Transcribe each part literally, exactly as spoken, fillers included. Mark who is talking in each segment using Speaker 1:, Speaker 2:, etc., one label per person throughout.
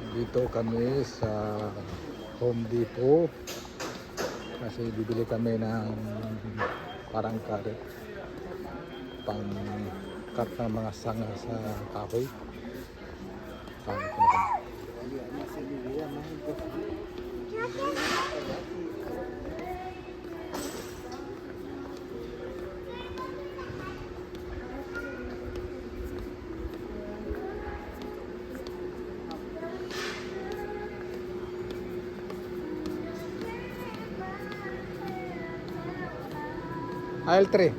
Speaker 1: Dito kami sa Home Depot kasi bibili kami ng parang karet pang cut ng mga sanga sa kahoy. Pang aisle three.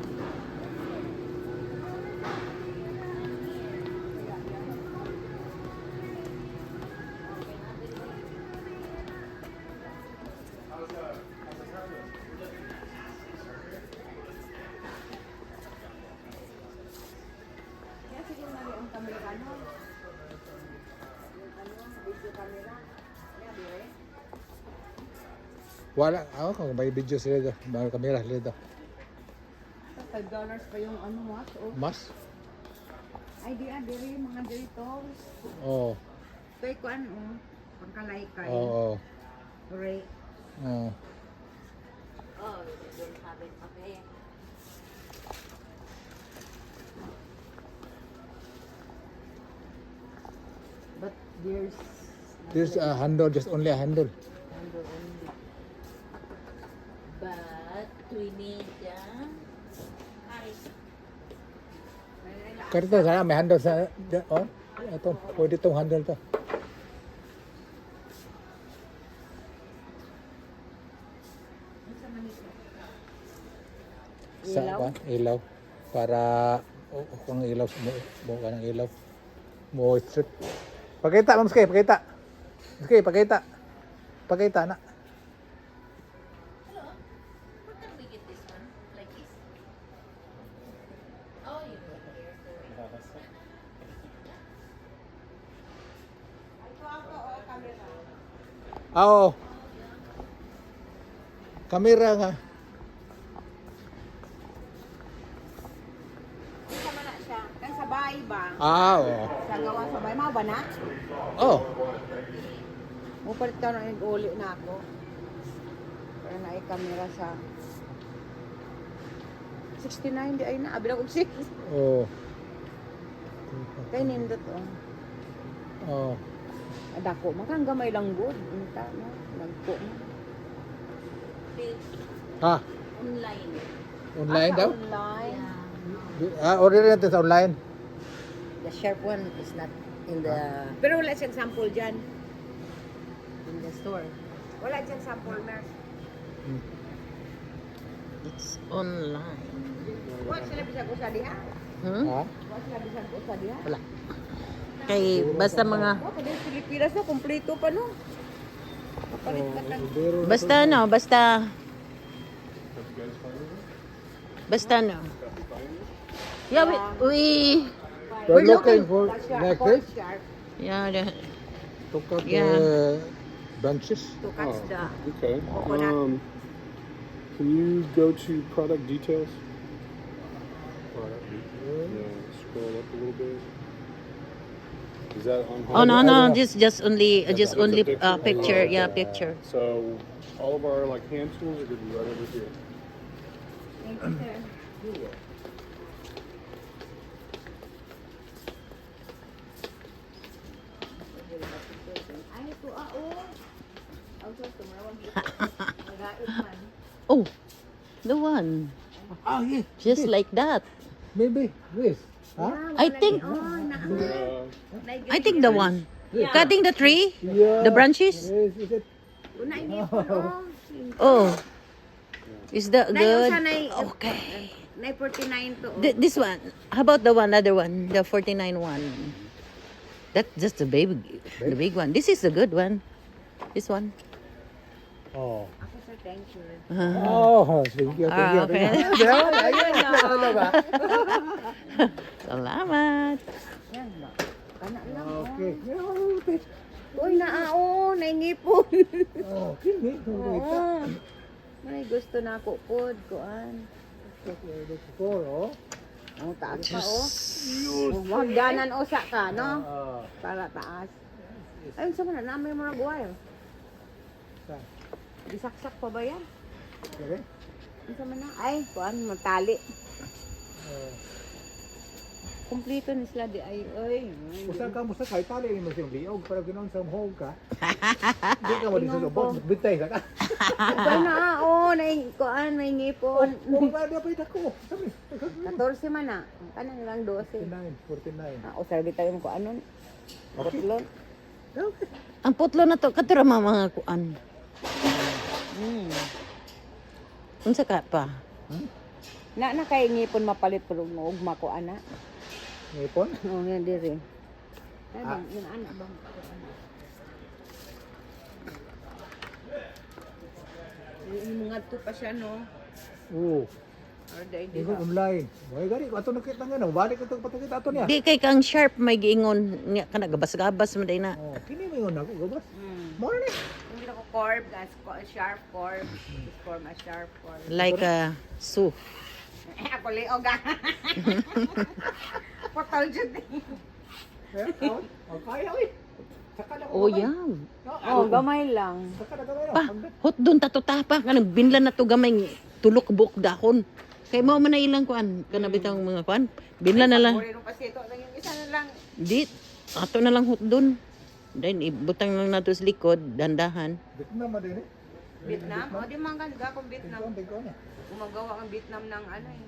Speaker 1: Wala, ako kung may video sila do, may kamera sila do.
Speaker 2: five dollars pa yung ano mas oh.
Speaker 1: Mas?
Speaker 2: Ay di ah, diri mga Doritos.
Speaker 1: Oo.
Speaker 2: Kay kuan oh, pangkalaykay.
Speaker 1: Oo.
Speaker 2: Ore.
Speaker 1: Oo.
Speaker 2: Oh, don't have it okay. But there's
Speaker 1: There's a handle, just only a handle.
Speaker 2: handle only. But we need uh,
Speaker 1: Pero ito, sana may handle sa, oh, ito, pwede itong handle to. Sa
Speaker 2: Ilaw?
Speaker 1: ba? Ilaw. Para, oh, kung ilaw, buo ka ng ilaw. Mo strip. Pakita, Ma'am Skay, pakita. Skay, pakita. Pakita na.
Speaker 2: Hello? Where can we get this one? Like this? Oh, you put here.
Speaker 1: Ah, oo. Kamera nga.
Speaker 2: Isa man na siya. Kaya sa bahay ba?
Speaker 1: Ah, oo.
Speaker 2: Sa gawa sa bahay. Mga ba na?
Speaker 1: Oh.
Speaker 2: Mupalit ka na yung uli na ako. Para na kamera sa sixty-nine di ay na. Abi na kong six.
Speaker 1: Oh.
Speaker 2: Kaya nindot oh.
Speaker 1: Oh.
Speaker 2: Adako. Makang gamay lang good. Unta no? Nagpo mo.
Speaker 1: Ha?
Speaker 2: Online.
Speaker 1: Online
Speaker 2: Ah,
Speaker 1: daw?
Speaker 2: Online.
Speaker 1: Ah, order natin sa online.
Speaker 2: The sharp one is not in the... Pero wala siyang sample dyan. In the store. Wala siyang sample, Mers.
Speaker 3: It's online.
Speaker 2: Wala sila bisag usa diha?
Speaker 3: Hmm?
Speaker 1: Ha?
Speaker 2: Wala sila bisag usa diha?
Speaker 3: Wala. Kay basta mga
Speaker 2: Oh, kada yung Pilipinas na, kompleto pa no? Kapalit ka tag...
Speaker 3: basta ano, basta basta ano. Yeah, we, we
Speaker 1: We're looking for
Speaker 2: The sharp,
Speaker 1: necklace
Speaker 2: corn sharp,
Speaker 3: yeah, the,
Speaker 1: to cut
Speaker 3: Yeah.
Speaker 1: the branches.
Speaker 2: to catch the...
Speaker 4: Okay.
Speaker 2: Coconut.
Speaker 4: Um, can you go to product details? Yeah, scroll up a little bit. Is that on?
Speaker 3: oh no
Speaker 1: I
Speaker 3: no,
Speaker 1: don't know.
Speaker 3: just just only uh, just
Speaker 4: Just a
Speaker 3: only
Speaker 4: picture?
Speaker 3: uh, picture,
Speaker 4: Oh,
Speaker 3: yeah,
Speaker 4: okay.
Speaker 3: picture.
Speaker 4: So all of our like hand tools are going to be right over here.
Speaker 2: Thank you, sir. Ay, ito ah, oh. Ang sus, tumawag dito. Nagait man.
Speaker 3: Oh, the one
Speaker 1: Ah, yes.
Speaker 3: just like that.
Speaker 1: Maybe. Yes. Huh?
Speaker 2: Yeah,
Speaker 3: I
Speaker 2: wala
Speaker 3: think-
Speaker 2: ni- oh, na,
Speaker 4: Uh,
Speaker 3: I think the one cutting the tree,
Speaker 1: Yeah.
Speaker 3: the branches.
Speaker 1: Yes, is it?
Speaker 2: Una ini po, oh.
Speaker 3: Oh, is that
Speaker 2: Nay,
Speaker 3: good?
Speaker 2: usa nay,
Speaker 3: Okay.
Speaker 2: nay forty-nine to. Oh.
Speaker 3: Th- this one. How about the one, other one, the forty-nine one? That's just the baby, the big one. This is the good one. This one.
Speaker 1: Oh.
Speaker 2: Ako sir, thank you.
Speaker 1: Oh, thank you, thank
Speaker 3: Ah,
Speaker 1: you.
Speaker 3: okay.
Speaker 1: Thank you. Ayun, ano ba?
Speaker 3: Salamat.
Speaker 2: Yan ba? Kana lang.
Speaker 1: Okay.
Speaker 2: Oh. Uy, naao, naingipon.
Speaker 1: Oh, kini.
Speaker 2: Oo. May gusto na ako pod, kuan.
Speaker 1: Four, oh.
Speaker 2: Ang taas pa, oh. Oh, Magdanan usa ka, no?
Speaker 1: Ah.
Speaker 2: Para taas. Ayun sa mana, namin mo nag-wire.
Speaker 1: Saan?
Speaker 2: Disaksak pa ba yan?
Speaker 1: Okay?
Speaker 2: Ayun sa mana. Ay, kuan, matali.
Speaker 1: Uh,
Speaker 2: Kumplito ni sila di ay, ay.
Speaker 1: Usa ka mo sa kay tali mo siyang liog para ganoon sa hog ka. Di ka mo din sa
Speaker 2: Ingon
Speaker 1: subot,
Speaker 2: ko.
Speaker 1: bitay ka.
Speaker 2: Ba na, oo, nai, kuan, may ngipon.
Speaker 1: Kung ba na pa ako. Sabi.
Speaker 2: fourteen man na. Kanang lang twelve.
Speaker 1: forty-nine, forty-nine.
Speaker 2: Ah, o sabi tayo ko anon. Putlon.
Speaker 1: Okay.
Speaker 3: Ang putlo na to, katura mga mga kuan.
Speaker 2: Hmm.
Speaker 3: Unsa ka pa?
Speaker 1: Hmm?
Speaker 2: Na na kay ngipon mapalit pero ugma ko ana.
Speaker 1: Ngipon?
Speaker 2: Oo, yan diri.
Speaker 1: Ah.
Speaker 2: Ay, yun ana bang. Yung mga to pa siya no.
Speaker 1: Oo.
Speaker 2: Or dai di
Speaker 1: Ingon online. Moy gani ko ato nakita nga na, balik ko patakita ato niya.
Speaker 3: Di kay kang sharp may giingon nga kana gabas-gabas man day na.
Speaker 1: Oh, kini mo yun ako, gabas.
Speaker 2: Hmm.
Speaker 1: Mo na ni.
Speaker 2: Hindi ko curve, guys. Sharp curve. Form a sharp curve.
Speaker 3: Like a su.
Speaker 2: Ako liog ah. Potol jud.
Speaker 1: Eh, oh, oh, kaya oi. Saka na ko.
Speaker 3: Oh, yam.
Speaker 2: Oh, gamay lang.
Speaker 1: Saka na gamay
Speaker 3: Pa,
Speaker 1: na.
Speaker 3: hot doon tatutapa ka binlan na to gamay ng tulok buok dahon. Kay mao man na ilang kuan kana bitang mga kuan. Binlan na lang.
Speaker 2: Uri nung pasito. Naging isa na lang.
Speaker 3: Di ato na lang hot doon. Then ibutang lang nato sa likod dandahan.
Speaker 1: Dito na ma din eh.
Speaker 2: Vietnam? O, di man ganda kung Vietnam.
Speaker 1: Tingko, tingko niya.
Speaker 2: Gumagawa ang Vietnam ng ano eh.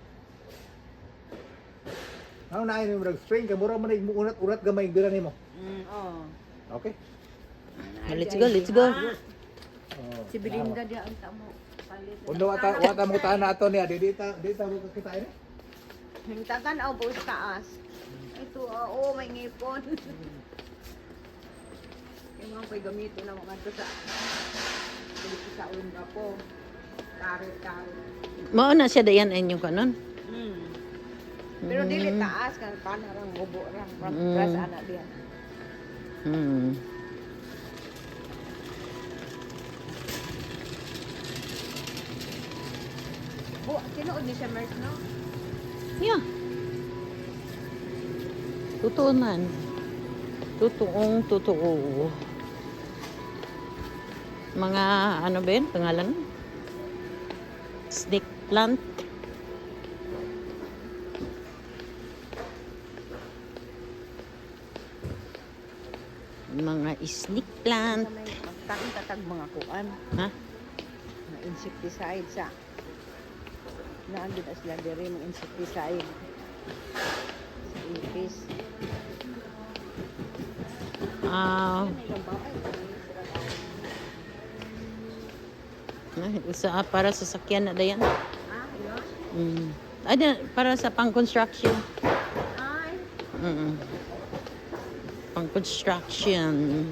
Speaker 1: Ano na ayun yung string ka mura man ay urat-urat gamay dira nimo.
Speaker 2: Mm, oh.
Speaker 1: Okay?
Speaker 3: Oh, let's go, let's go.
Speaker 1: Oh.
Speaker 2: Si Belinda di ang tamo. Palit.
Speaker 1: Undo ata wata mo taan na ato niya, di dita dita mo kita ini.
Speaker 2: Hingtagan o po sa taas. Ito, ah, oo, may ngipon. Yung mga ko'y gamito na mga ito sa dito sa unga po. Karit, karit.
Speaker 3: Mao na siya dayan inyong kanon.
Speaker 2: Mm. Pero dili taas kan panarang bubo rang
Speaker 3: Mm.
Speaker 2: ras anak dia.
Speaker 3: Hmm.
Speaker 2: Bu, tinuod ni siya Merz, no?
Speaker 3: Yeah. Totoo man. Totoong totoo. Mga ano ba yun? Pangalan? Snake plant. Mga snake plant.
Speaker 2: Sa may magtang tatag mga kuan.
Speaker 3: Ha?
Speaker 2: Mga insecticide sa naandun as sila diri mga insecticide sa ipis.
Speaker 3: Ah,
Speaker 2: Ano yung ba? Ay,
Speaker 3: uh, sa para sa sakyan na dayan.
Speaker 2: ah, yun.
Speaker 3: Mm. Ay, di- para sa pang-construction.
Speaker 2: Ay,
Speaker 3: Mm. Pang-construction.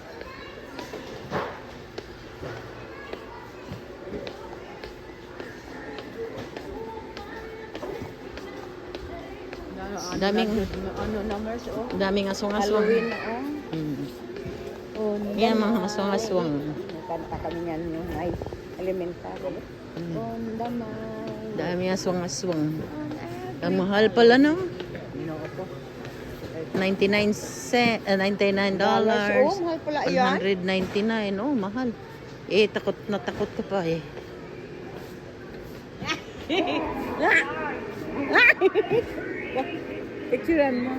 Speaker 2: ano, ano,
Speaker 3: Daming-
Speaker 2: ano, ano numbers, oh.
Speaker 3: Daming aswang-aswang.
Speaker 2: Halloween, oh.
Speaker 3: Mm.
Speaker 2: Oh,
Speaker 3: Yan, mga aswang-aswang.
Speaker 2: Kanta kami yan yung may elementary. On the mind.
Speaker 3: Daming aswang-aswang.
Speaker 2: On every-
Speaker 3: Ang mahal pala, no?
Speaker 2: Ginoo ko.
Speaker 3: ninety-nine cent, uh, ninety-nine dollars.
Speaker 2: Oh, mahal pala yan.
Speaker 3: one hundred ninety-nine. Oh, mahal. Eh, takot na takot ka pa eh.
Speaker 2: Picturean mo.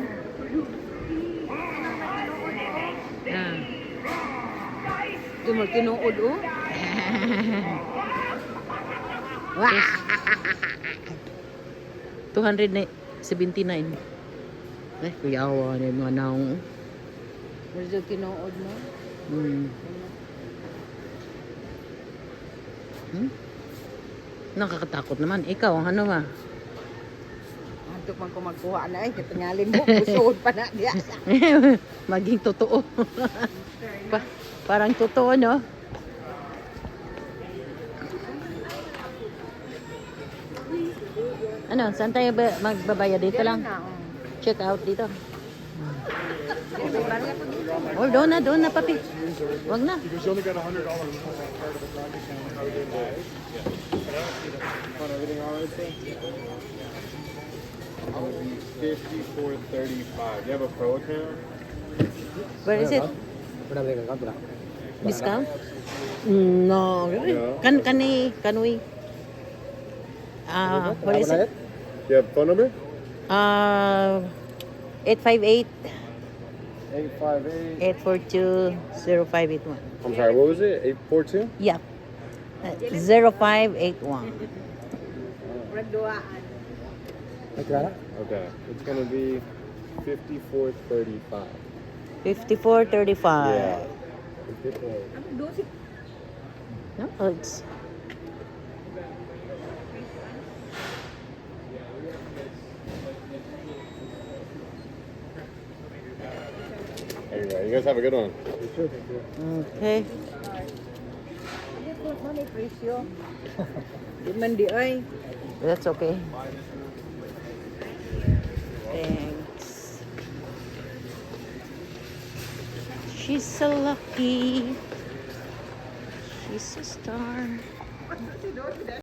Speaker 3: Ah.
Speaker 2: Ito mo tinuod, oh.
Speaker 3: two hundred seventy-nine. Eh, kuyawa na yung mga naong.
Speaker 2: Medyo tinuod mo.
Speaker 3: Hmm. Hmm? Nakakatakot naman. Ikaw, ano ma?
Speaker 2: Antok man ko magkuha na eh. Katingalin mo. Pusuod pa na diya.
Speaker 3: Maging totoo. pa parang totoo, no? Ano, saan tayo ba magbabayad dito lang?
Speaker 2: Na, oh.
Speaker 3: Check out dito.
Speaker 2: May barya ko dito.
Speaker 3: Oh, doon na, doon na, papi. Wag na.
Speaker 4: Because you only got a hundred dollars on that part of the project now. How did that? On everything all right, sir? Fifty-four thirty-five. You have a pro account?
Speaker 3: Where is it?
Speaker 1: Wala ba account wala?
Speaker 3: Discount? Mm, no. Can can we can we? Uh, what is it?
Speaker 4: You have phone number?
Speaker 3: Uh, eight five eight,
Speaker 4: eight five eight.
Speaker 3: eight four two, zero five eight one.
Speaker 4: I'm sorry, what was it? eight four two?
Speaker 3: Yep. Zero five eight one.
Speaker 2: Murag duaan.
Speaker 1: Nagkala?
Speaker 4: Okay. It's gonna be fifty-four thirty-five.
Speaker 3: Fifty four thirty five.
Speaker 2: Ano dosi?
Speaker 3: No, it's
Speaker 4: There you go. You guys have a good one.
Speaker 3: okay.
Speaker 2: Ano po mo may presyo? Di man di ay.
Speaker 3: That's okay. Thanks. She's so lucky. She's a star.